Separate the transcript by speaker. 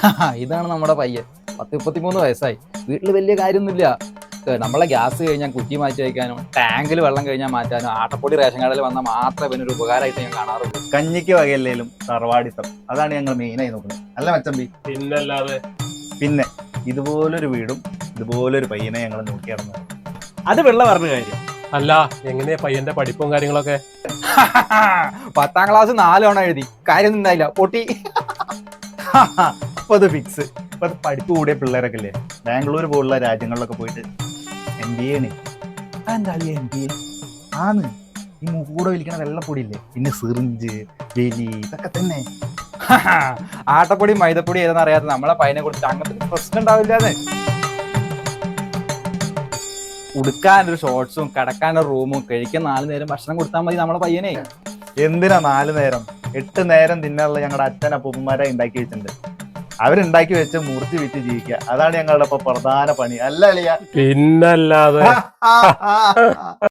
Speaker 1: ഇതാണ് നമ്മുടെ പയ്യൻ. 33 വയസ്സായി. വീട്ടിൽ വലിയ കാര്യമൊന്നുമില്ല. നമ്മളെ ഗ്യാസ് കഴിഞ്ഞാൽ കുറ്റി മാറ്റി വയ്ക്കാനും ടാങ്കിൽ വെള്ളം കഴിഞ്ഞാൽ മാറ്റാനും ആട്ടപ്പൊടി റേഷൻ കടയിൽ വന്നാൽ മാത്രമേ ഇവനൊരു ഉപകാരമായിട്ട് ഞാൻ കാണാറുള്ളൂ.
Speaker 2: കഞ്ഞിക്ക് വകയല്ലേലും തറവാടിത്തം, അതാണ് ഞങ്ങൾ മെയിനായി നോക്കുന്നത്. അല്ല മച്ചമ്പി?
Speaker 3: പിന്നല്ലാതെ.
Speaker 2: പിന്നെ ഇതുപോലൊരു വീടും ഇതുപോലൊരു പയ്യനെ ഞങ്ങൾ നോക്കി നടന്നത്.
Speaker 3: അത് വെള്ള പറഞ്ഞ കാര്യം. അല്ല, എങ്ങനെയാ പയ്യന്റെ പഠിപ്പും കാര്യങ്ങളൊക്കെ?
Speaker 1: 10ാം ക്ലാസ് 4 തവണ എഴുതി, കാര്യം ഉണ്ടായില്ല, പൊട്ടി.
Speaker 2: അപ്പൊ അത് ഫിക്സ്. ഇപ്പൊ പഠിപ്പ് കൂടിയ പിള്ളേരൊക്കെ ഇല്ലേ, ബാംഗ്ലൂർ പോലുള്ള രാജ്യങ്ങളിലൊക്കെ പോയിട്ട് MBA ആണ്. എന്താ MBA ആന്ന് ഈ മൂക്കൂടെ വലിക്കണ വെള്ളപ്പൊടി ഇല്ലേ, പിന്നെ സിറിഞ്ച്, വെലി, ഇതൊക്കെ തന്നെ.
Speaker 1: ആട്ടപ്പൊടി മൈദപ്പൊടി ഏതെന്ന് അറിയാത്ത നമ്മളെ പയ്യനെ കുറിച്ച് അങ്ങനത്തെ പ്രശ്നം ഉണ്ടാവില്ലാതെ. ഉടുക്കാനൊരു ഷോർട്സും കിടക്കാനൊരു റൂമും കഴിക്കാൻ 4 നേരം ഭക്ഷണം കൊടുത്താൽ മതി നമ്മളെ പയ്യനെ.
Speaker 2: എന്തിനാ 4 നേരം? 8 നേരം തിന്നാനുള്ള ഞങ്ങളുടെ അച്ഛൻ അപ്പൂപ്പന്മാരെ ഉണ്ടാക്കി വെച്ചിട്ടുണ്ട്. അവരുണ്ടാക്കി വെച്ച് മൂർത്തി വിറ്റ് ജീവിക്കുക, അതാണ് ഞങ്ങളുടെ ഇപ്പൊ പ്രധാന പണി. അല്ല അളിയ?
Speaker 3: പിന്നല്ലാതെ.